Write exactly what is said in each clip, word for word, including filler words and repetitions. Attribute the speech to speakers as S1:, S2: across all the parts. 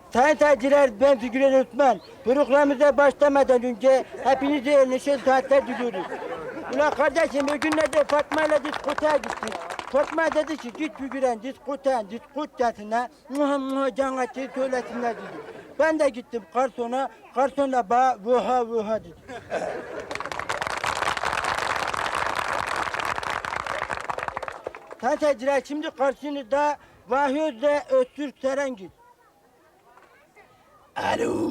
S1: Sayın seyirciler, ben Figüren Osman. Programımıza başlamadan önce hepinize neşeli saatler diliyoruz. Ulan kardeşim, o günlerde Fatma ile diskotaya gittik. Fatma dedi ki, git Figüren diskotaya, diskotayasına muha muha can açıyı söylesinler dedi. Ben de gittim garsona, garson da bana vuha vuha dedi. Sayın seyirciler, şimdi karşınızda Vahiyoze Öztürk Serengil.
S2: Alo.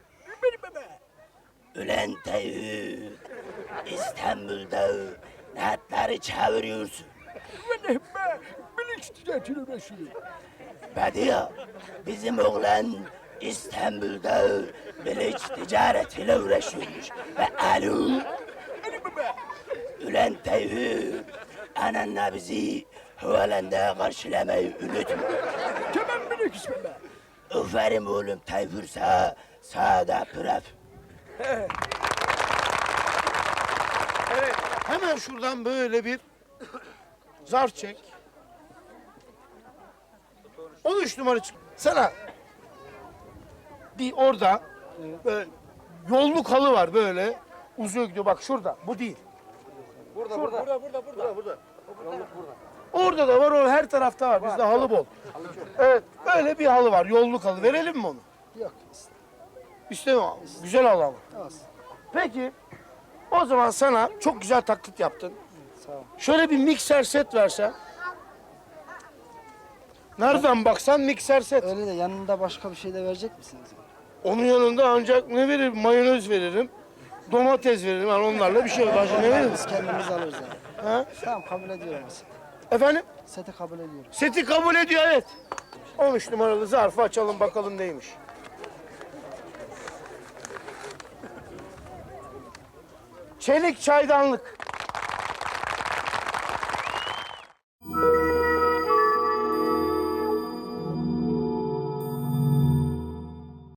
S2: Ulan Tayyip, İstanbul'da natları çeviriyorsun.
S3: Benim be, bilinç düzeltilir Resul.
S2: Badiye, bizim oğlan İstanbul'da bilinç ticaretiyle uğraşıyormuş. Ve alo.
S3: Benim be.
S2: Ulan Tayyip, ananla bizi havalanda karşılamayı unutma.
S3: Tamam bilinç ismi be.
S2: Aferin oğlum Tayfur sağa, sağda pıraf.
S4: Evet, hemen şuradan böyle bir zarf çek. on üç numara çık. Sana bir orada böyle yolluk halı var böyle uzuyor gidiyor. Bak şurada, bu değil. Burada, burada, burada, burada, burada. burada. Orada da var, o her tarafta var. Bizde halı bol. Evet, böyle bir halı var, yolluk halı. Verelim mi onu?
S5: Yok.
S4: İstemiyorum. Güzel halı ama.
S5: Olsun.
S4: Peki, o zaman sana çok güzel taklit yaptın.
S5: Sağ ol.
S4: Şöyle bir mikser set versen. Nereden baksan mikser set.
S5: Öyle de yanında başka bir şey de verecek misiniz?
S4: Onun yanında ancak ne veririm? Mayonez veririm. Domates veririm. Yani onlarla bir şey başka ne veririm?
S5: Biz kendimiz alırız yani.
S4: Ha?
S5: Tamam, kabul ediyorum seti.
S4: Efendim?
S5: Seti kabul ediyorum.
S4: Seti kabul ediyor, evet. on üç numaralı zarfı açalım bakalım neymiş. Çelik çaydanlık.